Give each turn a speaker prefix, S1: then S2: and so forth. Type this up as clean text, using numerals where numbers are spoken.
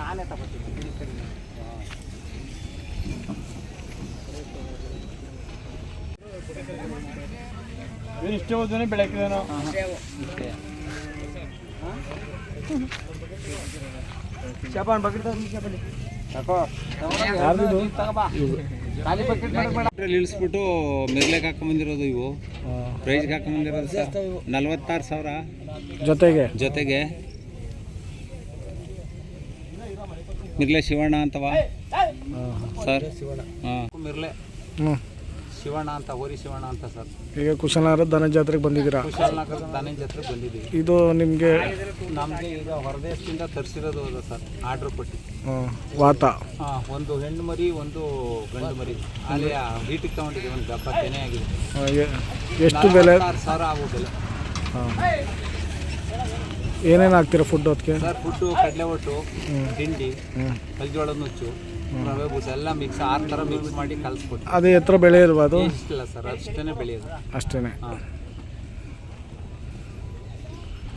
S1: ನಾನೇ ತಗೋತೀನಿ.
S2: ಇಷ್ಟೇ ಓದನೆ ಬೆಳಕಿದೇನೋ
S1: ಶಾಪಾನ್ ಬಕೆಟ್ ತಗೊಂಡು
S2: ಯಾಕೋ
S1: ಖಾಲಿ ಬಕೆಟ್ ಮಾಡಬೇಡ.
S3: ಇಳಿಸ್ಬಿಟ್ಟು ಮಿರ್ಲೆಗೆ ಹಾಕೊಂಬಂದಿರೋದು ಇವು ಪ್ರೈಸ್ಗೆ ಹಾಕೊಂಬಂದಿರೋದು ಸರ್ 46,000 ಜೊತೆಗೆ ಮಿರ್ಲೆ ಶಿವಣ್ಣ ಅಂತವ ಸರ್. ಹಾಂ ಮಿರ್ಲೆ ಶಿವಣ್ಣ ಅಂತ, ಹೋರಿ ಶಿವಣ್ಣ ಅಂತ ಸರ್.
S2: ಈಗ ಕುಶಲನಗರ ದನ ಜಾತ್ರೆಗೆ ಬಂದಿದ್ದೀರಾ?
S3: ಕುಶಾಲನಗರದ ದನ ಜಾತ್ರೆಗೆ ಬಂದಿದ್ದೀವಿ.
S2: ಇದು ನಿಮಗೆ
S3: ನಮಗೆ ಈಗ ಹೊರದೇಶದಿಂದ ತರಿಸಿರೋದು ಅದ ಸರ್, ಆರ್ಡ್ರ್ ಕೊಟ್ಟು.
S2: ವಾತ
S3: ಹಾಂ, ಒಂದು ಹೆಣ್ಣು ಮರಿ ಒಂದು ಗಂಡು ಮರಿ ಅಲ್ಲಿ ಹೀಟಿಗೆ ತಗೊಂಡಿದ್ದೀವಿ. ಒಂದು ದಪ್ಪ ತೆನೆ ಆಗಿದೆ.
S2: ಎಷ್ಟು ಬೆಲೆ?
S3: 46,000 ಆಗೋ ಬೆಲೆ.
S2: ಏನೇನು ಹಾಕ್ತೀರಾ ಫುಡ್ ಅದಕ್ಕೆ?
S3: ಸರ್ ಫುಡ್ಡು ಕಡಲೆ ಒಟ್ಟು, ತಿಂಡಿ, ಕಲ್ಜೋಳದ ನುಚ್ಚು, ರವೆ ಬೂಸ ಎಲ್ಲ ಮಿಕ್ಸ್ 6 ಥರ ಮಿಕ್ಸ್ ಮಾಡಿ ಕಲಿಸ್ಕೊಟ್ಟು.
S2: ಅದು ಎತ್ತರ ಬೆಳೆ ಇಲ್ವಾ ಅದು?
S3: ಇಷ್ಟಿಲ್ಲ ಸರ್, ಅಷ್ಟೇ ಬೆಳೆಯೋದು
S2: ಅಷ್ಟೇ.
S3: ಹಾಂ.